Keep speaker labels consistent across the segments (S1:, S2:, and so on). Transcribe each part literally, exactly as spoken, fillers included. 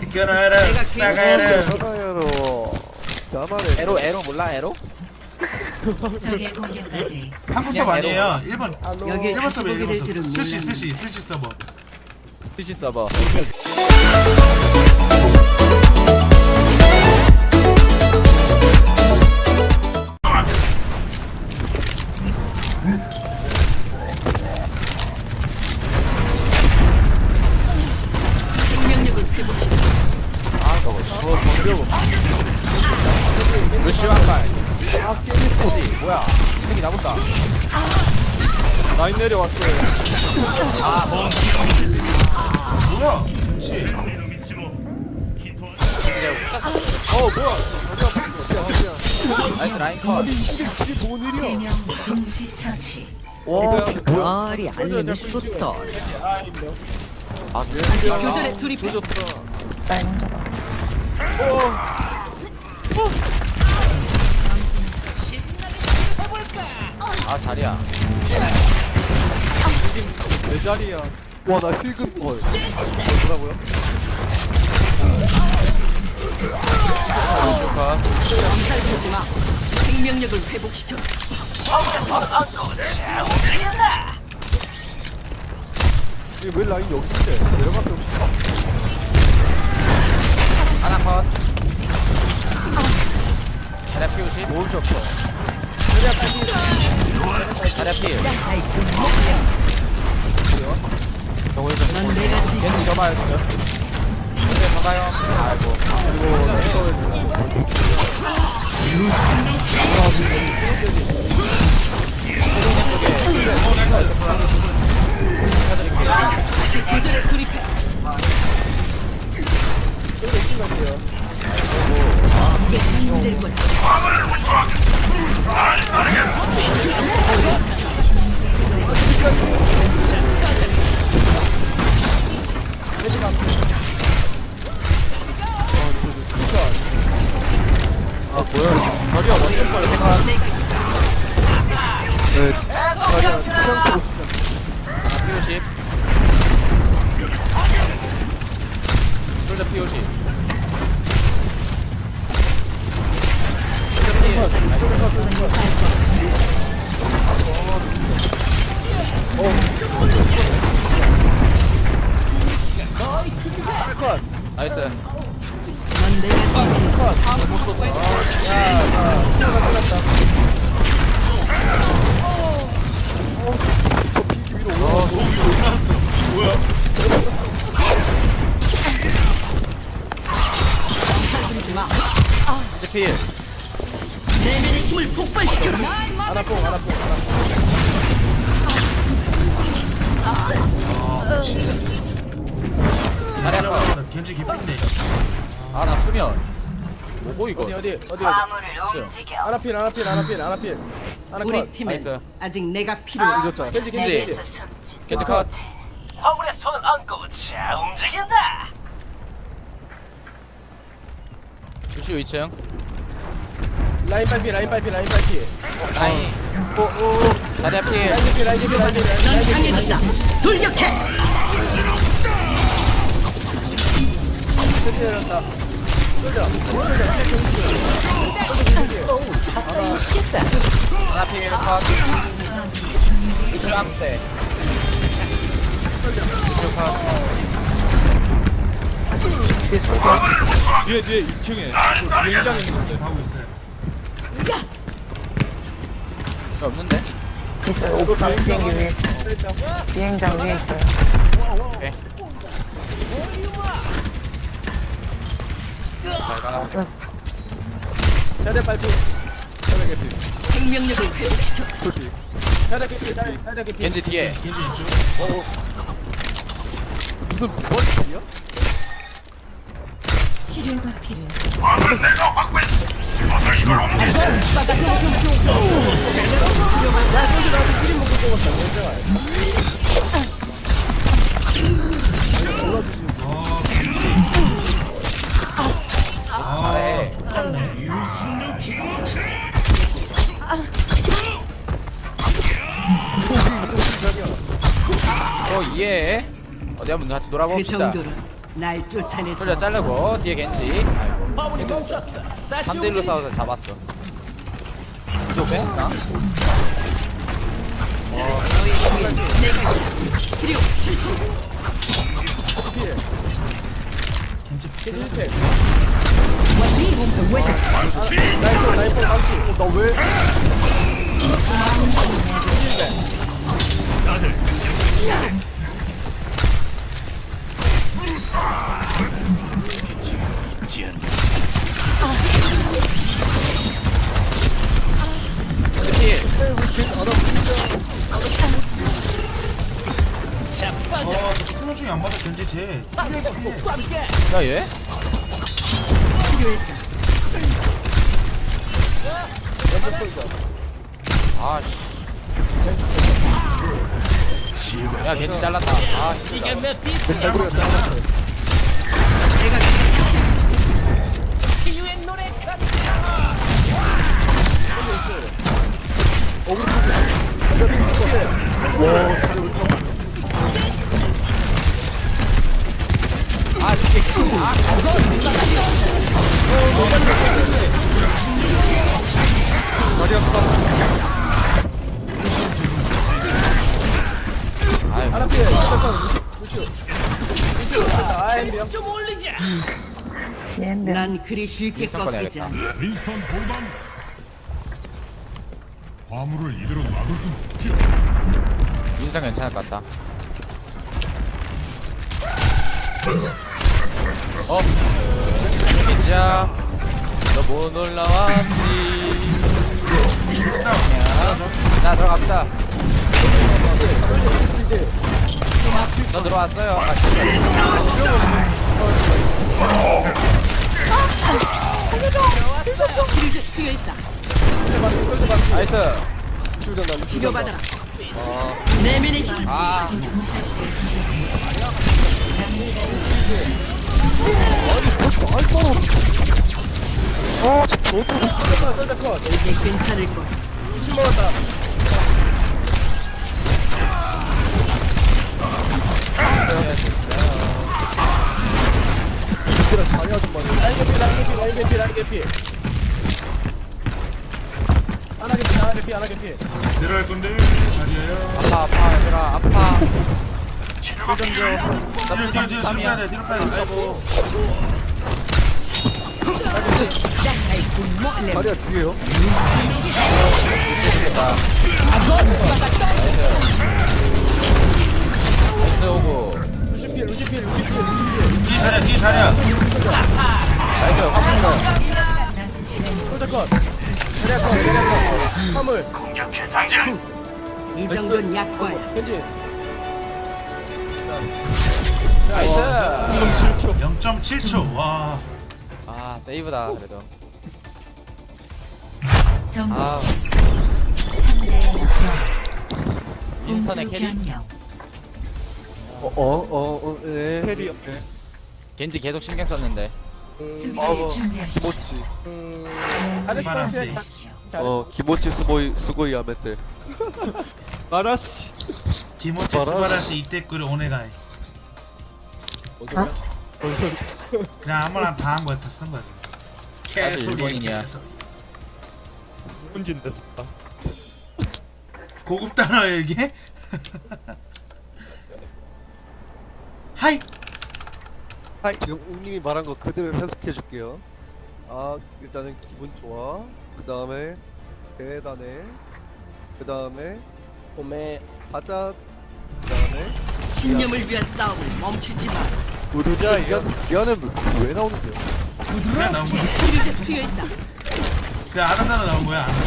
S1: Quiero héroe, mega héroe.
S2: 전화해로. 나만의
S3: 에로 에로 몰라 에로?
S4: 적의 공격까지
S1: 한국 서버 아니에요. 일본
S4: 여기
S1: 일본 서버 일본
S4: 될
S1: 서버.
S4: 줄은
S1: 스시
S4: 몰랐네.
S1: 스시 스시 서버.
S3: 스시 서버.
S4: 생명력을 회복시켜
S3: 아 저거 저 정비하고. 루시 왕발.
S2: 아 깨졌어.
S3: 뭐지? 뭐야? 이 새끼 나본다. 라인 내려왔어요.
S1: 뭐야? 씨.
S3: 어 뭐야? 나이스 라인 컷.
S2: 이게 뭔 일이야?
S4: 세명 동시 처치
S2: 와 뭐야?
S4: 머리 알림이 쏟다
S3: 아
S4: 교전에 돌입해
S3: 아 자리야. 내 자리야.
S2: 와나 힐금 헐. 뭐라고요?
S3: 루시 컷.
S4: 엄살 부리지마 생명력을 회복시켜
S2: 이게 왜 라인 여기 있대? 내려갈게 없이.
S3: 하나 컷. 자리야 피 오십.
S2: 뭘 잡혀?
S3: 자리야 피.
S4: 넌 내가 지금
S3: 겐지 접어요 지금. 겐지 접어요. 아이고. 나이스 플라스.
S4: 교전에 돌입해 이게 힘들 거야
S2: 아 뭐야?
S3: 자리야 완전 빨리 생각.
S2: 네. 자리야 그냥 보고 싶다.
S3: 피 오십. 솔저 피 오십. 솔저 피. 나이스.
S4: 넌 내가 지금 부리지마
S3: 이제 필.
S4: 내면의 힘을 폭발시켜라
S3: 하나뽕 하나뽕 자리야 컷.
S1: 겐지 기쁜데.
S3: 아나 수면. 뭐고 이거?
S5: 어디 어디 어디
S4: 화물을
S3: 움직여.
S5: 하나 필 하나 필 하나 필 하나 필 하나
S4: 우리
S5: 컷
S4: 팀엔
S3: 나이스.
S4: 아직 내가 필요해
S2: 이겼잖아.
S5: 겐지 겐지 겐지
S3: 겐지 컷.
S6: 화물에 손을 얹고 자 움직인다.
S3: 루시오 이 층.
S5: 라인 빨피 라인 빨피 라인 빨피
S3: 라인. 오오. 자리야 필.
S5: 라인 필 라인 필 라인 필
S4: 넌
S5: 라인 필
S4: 강해졌다 돌격해
S5: 내렸다 쏠자
S3: 하나 필 컷. 루시오 앞대. 루시오 컷.
S5: 뒤에 뒤에 이 층에 비행장 있는데
S1: 하고 있어요.
S3: 왜 없는데?
S5: 이거 다른 비행기 위에
S7: 비행장 위에 있어요.
S3: 오케이. 잘 가라.
S5: 자리 빨피 자리 개피
S4: 생명력을 회복시켜
S5: 자리 개피 자리 자리 개피
S3: 겐지 뒤에.
S1: 겐지 있죠?
S2: 무슨 머리야?
S4: 치료가 필요해
S3: 잘해. 어 예. 어디 한번 같이
S4: 그
S3: 놀아봅시다.
S4: 정도로 날 쫓아낼 수
S3: 솔저
S4: 없어.
S3: 자르고 뒤에 겐지. 아이고.
S6: 화물이 멈췄어. 다시
S3: 삼 대 일로
S6: 움직인다.
S3: 싸워서 잡았어. 이거 빼? 나?
S1: 겐지
S5: 힐팩.
S2: 나이프 나이프 당시 나 왜?
S1: 어 수면 중에 안 받아 겐지 쟤
S3: 야 얘? 아씨. 야 겐지 잘랐다. 아
S6: 이게 내 빛.
S2: 개구리가 잘랐어.
S4: 내가
S6: 치유의 노래.
S2: 와 차례 우리 top.
S3: 아 이게 아
S2: 다리 아프다.
S3: 아이고.
S5: 하나 피해. 잠깐 루시 루시. 아이 명.
S6: 좀 올리자.
S7: 얘네.
S4: 난 그리 쉽게
S3: 일선
S4: 꺾이지
S3: 꺼내야겠다.
S4: 않아.
S8: 윈스턴 골반 화물을 이대로 놔둘 순 없지.
S3: 인상 괜찮을 것 같다. 어? 겐지야 너 못 올라왔지. 자 들어갑시다. 너 들어왔어요. 아 진짜.
S4: 치료제 필요했다.
S3: 나이스.
S2: 치우잖아 치우잖아.
S4: 치료받아라. 내면의 힘.
S3: 아
S2: 아 저도
S4: 이제 괜찮을 거야.
S5: 루시 먹었다.
S2: 그냥 자리 아줌마네.
S5: 라인 개피 라인 개피 라인 개피 라인 개피. 하나 개피 하나 개피 하나 개피.
S1: 내려갈 건데 자리에요
S3: 아파 아파 얘들아 아파.
S1: 뒤로 뒤로 뒤로 뒤로 빼야 돼 뒤로 빼야 돼 아이고
S2: 자리야 뒤에요.
S3: 나이스 오고.
S5: 루시 피해 루시 피해 루시 피해 루시 피해.
S1: 뒤 자리야 뒤 자리야
S3: 나이스 화물.
S5: 솔저 컷. 자리야 컷 자리야 컷. 화물.
S6: 공격해 당장.
S4: 이 정도는 약과야.
S5: 겐지.
S3: 나이스.
S1: 영 점 칠 초 와
S3: 아 세이브다 그래도.
S4: 점수
S3: 아
S4: 삼 대 영.
S3: 윈스턴의 캐리.
S4: 변경.
S2: 어어어 예.
S5: 캐리.
S3: 겐지 계속 신경 썼는데.
S4: 수비를 준비하시오.
S2: 기모치.
S5: 아래
S1: 스바라시
S2: 어 기모치 스고이 스고이 야메테.
S5: 마라시.
S1: 기모치
S2: 스바라시.
S1: 스바라시 이때꾸를 오네가이 그냥 아무나 다 한 거야 다 쓴 거야
S3: 나도
S1: 개소리
S3: 일본인이야.
S1: 개소리.
S5: 문진 됐어.
S1: 고급 단어야 이게? 하이
S2: 지금 웅님이 말한 거 그대로 해석해 줄게요. 아 일단은 기분 좋아. 그 다음에 대단해. 그 다음에
S5: 봄에
S2: 가자. 그 다음에
S4: 신념을 위한 싸움을 멈추지 마.
S5: 우두자
S2: 미안 미안은 왜 나오는데요?
S1: 그냥 나온 거야
S4: 치료제 필요했다.
S1: 그냥 아는 단어 나온 거야 아는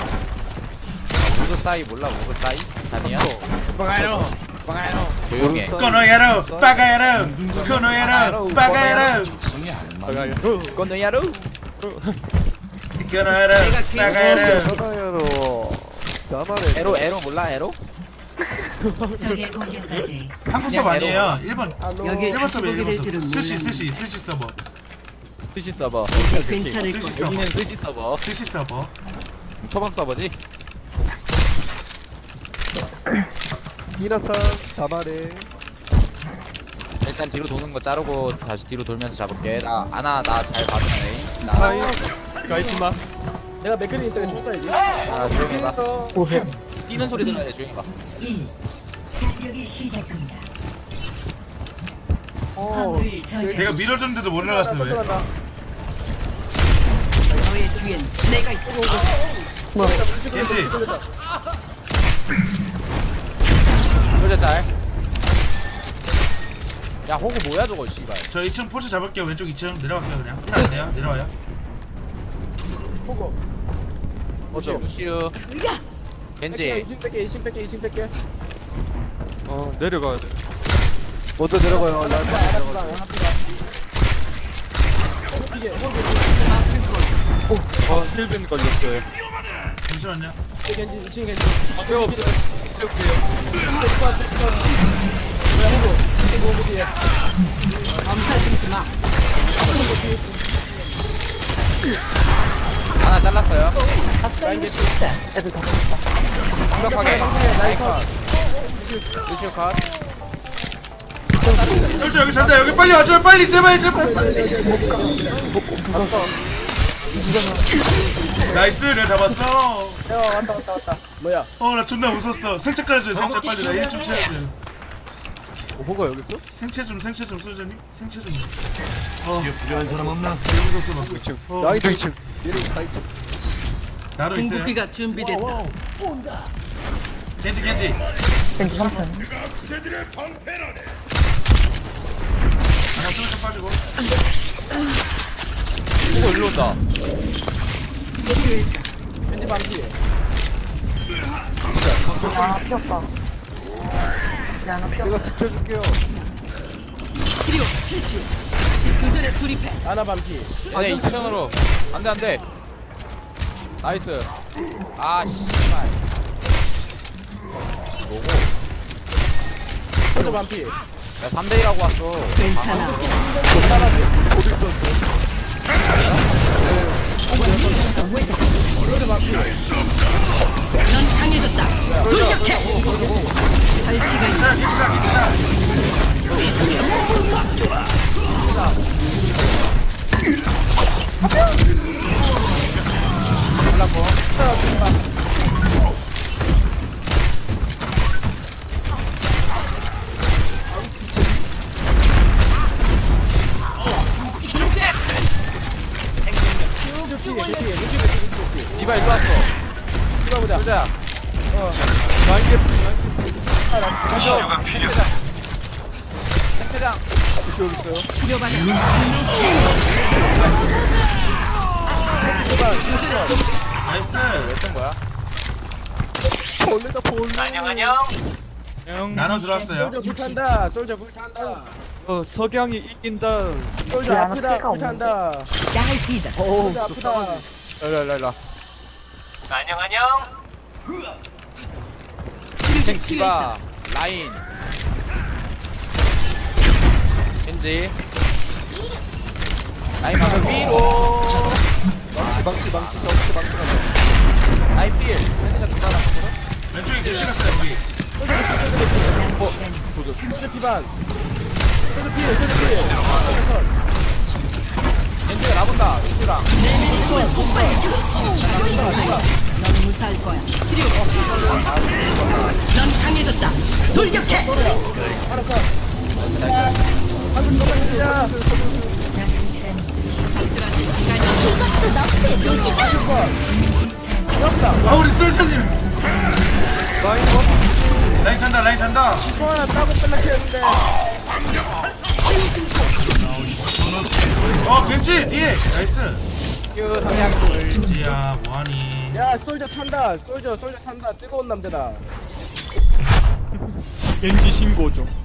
S3: 우드 사이 몰라 우드 사이? 아니야?
S1: 단어
S3: 조용해.
S1: 코노야로 빠가야로 코노야로 빠가야로
S3: 건너야로.
S1: 코노야로 빠가야로
S2: 사다야로. 나만의
S3: 에로 에로 몰라 에로?
S4: 적의 공격까지.
S1: 한국 서버 아니에요 일본
S4: 여기
S1: 일본
S4: 다시
S1: 서버
S4: 보게
S1: 일본
S4: 될
S1: 서버
S4: 줄은
S1: 스시
S4: 몰랐네.
S1: 스시 스시 서버
S3: 스시 서버.
S4: 이제 괜찮을
S1: 스시
S4: 거야.
S1: 서버
S3: 여기는 스시 서버.
S1: 스시 서버
S3: 초밥 서버지?
S2: 미나상 다마레.
S3: 일단 뒤로 도는 거 자르고 다시 뒤로 돌면서 잡을게. 나 아나 나 잘 봐주네. 나
S5: 하이.
S3: 가이시마스.
S5: 내가 맥클린 때문에 쳤어야지.
S3: 아 조용히 해봐.
S7: 오해.
S3: 뛰는 소리 들어야 돼. 조용히 해봐.
S4: 일. 공격이 시작됩니다.
S5: 어.
S4: 화물을 저지.
S1: 내가 밀어줬는데도 못 나갔어 왜?
S5: 쫓아간다.
S4: 너의 뒤엔 내가 있다.
S1: 겐지
S3: 소리 잘. 야 호구 뭐야 저거 씨발.
S1: 저 이 층 포즈 잡을게요. 왼쪽 이 층 내려갈게요 그냥. 힐 안 돼요. 내려와요.
S5: 보고.
S2: 어죠?
S3: 루시우. 겐지.
S5: 이층 뺄게, 이층 뺄게, 이층 뺄게.
S3: 어 내려가야 돼.
S2: 먼저 내려가요. 라인 먼저 내려가요.
S5: 하나랑 하나랑. 이게 호흡이
S3: 어 힐빈 걸렸어요.
S1: 잠시만요.
S5: 겐지, 이층 겐지.
S3: 앞에 없어.
S5: 뭐야 호흡? 이게 호흡 뒤에.
S4: 엄살부리지 마.
S3: 하나 잘랐어요.
S5: 라인 겐지.
S7: 애들 다 컸다.
S3: 완벽하게. 라인 컷. 루시우 컷.
S1: 솔직히 여기 잔다. 여기 빨리 와줘. 빨리 제발 제발. 나이스 내가 잡았어.
S5: 야 왔다 왔다 왔다. 뭐야?
S1: 어 나 존나 웃었어. 생체 깔아줘요. 생체 빨리 나 일 층 채워줘요.
S2: 어, 호가 여기 있어?
S1: 생체 좀 생체 좀 소전님. 생체 좀. 어 필요한 사람 없나? 되게 웃었어 막.
S2: 이 층.
S1: 어,
S2: 라인도 이 층. 얘는 다 이 층.
S1: 나로 있어요.
S4: 궁극기가 준비됐다.
S1: 겐지 겐지.
S7: 겐지 삼 층.
S1: 하나 좀 빠지고.
S3: 호구 일로 온다.
S5: 겐지 반피.
S7: 아, 피었다. 야, 나 피었다.
S2: 내가 지켜줄게요.
S4: 치료 실시. 교전에 돌입해.
S5: 아나 반피.
S3: 얘네 이 층으로. 안돼 안돼. 나이스. 아 씨발. 뭐고?
S5: 호흡 반피.
S3: 야 삼 대 일하고 왔어.
S4: 괜찮아.
S2: 어디 있었는데?
S5: 호흡 반피.
S4: 넌 강해졌다. 돌격해. 할 시간
S1: 기사 기사 기사.
S5: 루시 피해, 루시 피해, 루시 피해, 루시 피해.
S3: 디바 일로 왔어.
S5: 이거 보자.
S3: 보자.
S5: 어.
S3: 라인 개. 치료가 필요해. 생체장.
S2: 혹시 여기 있어요?
S4: 치료받아.
S1: 나이스.
S3: 왜쓴 거야?
S2: 벌레다 벌레.
S6: 안녕 안녕.
S1: 나눠 들어왔어요.
S5: 솔저 불탄다. 솔저 불탄다.
S3: 어 석양이 이긴다.
S5: 솔저
S7: 야, 나
S5: 아프다.
S7: 피가
S5: 불탄다.
S4: 야이피다.
S2: 어우,
S5: 솔저
S2: 저
S5: 아프다.
S3: 일로 일로 일로.
S6: 안녕 안녕.
S3: 층 디바 라인. 겐지. 라인 방금 위로.
S2: 망치, 망치, 저한테 망치 가자.
S3: 라인 필. 핸드샷 디바 나.
S1: 왼쪽에 겐지 갔어요 우리.
S5: 솔저 피반. 솔저 피해, 솔저 피해. 솔저 컷.
S3: 겐지가 나본다. 루시랑.
S4: 넌 무사할 거야. 치료. 넌 강해졌다. 돌격해.
S5: 하나 컷. 한분 조금 해주자.
S1: 아 우리 솔찬님. 라인 찬다 라인 찬다.
S5: 또 하나 따고 끝났겠는데.
S1: 어 겐지 뒤에. 나이스.
S3: 그 상향돌.
S1: 겐지야 뭐하니.
S5: 야, 솔저 탄다. 솔저, 솔저 탄다. 뜨거운 남자다.
S3: 겐지 신고 좀.